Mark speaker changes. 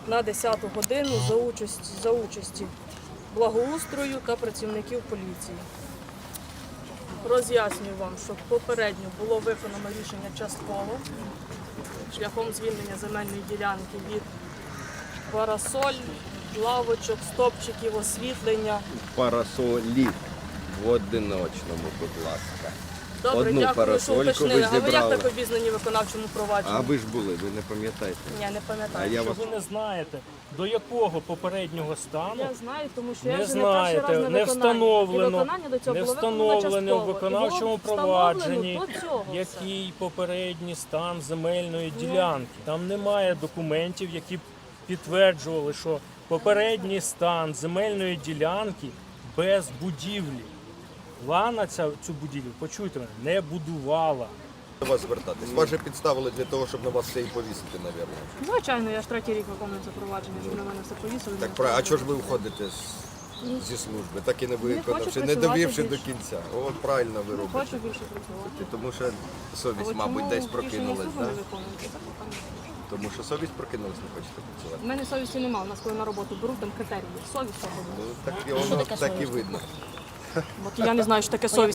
Speaker 1: на 10 годину за участі благоустрою та працівників поліції. Роз'яснюю вам, що попередньо було виконано рішення частково шляхом звільнення земельної ділянки від парасоль, лавочок, стопчиків, освітлення.
Speaker 2: Парасолів в одиночному, будь ласка.
Speaker 1: Добре,
Speaker 2: Одну
Speaker 1: дякую, що
Speaker 2: парасольку
Speaker 1: уточнили.
Speaker 2: ви
Speaker 1: А ви як
Speaker 2: зібрали.
Speaker 1: так обізнані в виконавчому провадженні?
Speaker 2: А ви ж були, ви не пам'ятаєте?
Speaker 1: Ні, не
Speaker 2: А
Speaker 1: пам'ятаю.
Speaker 2: я
Speaker 3: Що
Speaker 2: вас
Speaker 3: ви не знаєте, до якого попереднього стану
Speaker 1: Я знаю, тому що я
Speaker 3: не
Speaker 1: вже не перший раз
Speaker 3: знаєте,
Speaker 1: на
Speaker 3: не
Speaker 1: виконанні. І
Speaker 3: встановлено,
Speaker 1: виконання до цього
Speaker 3: не
Speaker 1: було
Speaker 3: встановлено в
Speaker 1: частково. І
Speaker 3: виконавчому
Speaker 1: було
Speaker 3: провадженні,
Speaker 1: встановлено до цього все.
Speaker 3: який попередній стан земельної ділянки. Там немає документів, які б підтверджували, що попередній стан земельної ділянки без будівлі. Лана цю будівлю, почуйте мене, не будувала.
Speaker 4: До вас звертатись. Вас же підставили для того, щоб на вас все і повісити, мабуть.
Speaker 1: Звичайно, я ж третій рік виконую це провадження, щоб на мене все повісили.
Speaker 4: Так, а чого ж ви уходите зі служби, так і не виконавши, не
Speaker 1: працювати
Speaker 4: довівши до
Speaker 1: більше.
Speaker 4: кінця? От правильно ви
Speaker 1: Не
Speaker 4: робите.
Speaker 1: хочу більше працювати.
Speaker 4: Тому що совість,
Speaker 1: От
Speaker 4: мабуть,
Speaker 1: чому
Speaker 4: десь
Speaker 1: рішення
Speaker 4: прокинулась,
Speaker 1: суду
Speaker 4: так?
Speaker 1: не виконуєте? Так, напевно.
Speaker 4: Тому що совість прокинулась, не хочете працювати.
Speaker 1: У мене совісті немає, у нас коли на роботу беруть, там критерії. Совість свобода.
Speaker 4: Ну, так і воно так і видно.
Speaker 1: От я не знаю, що таке совість.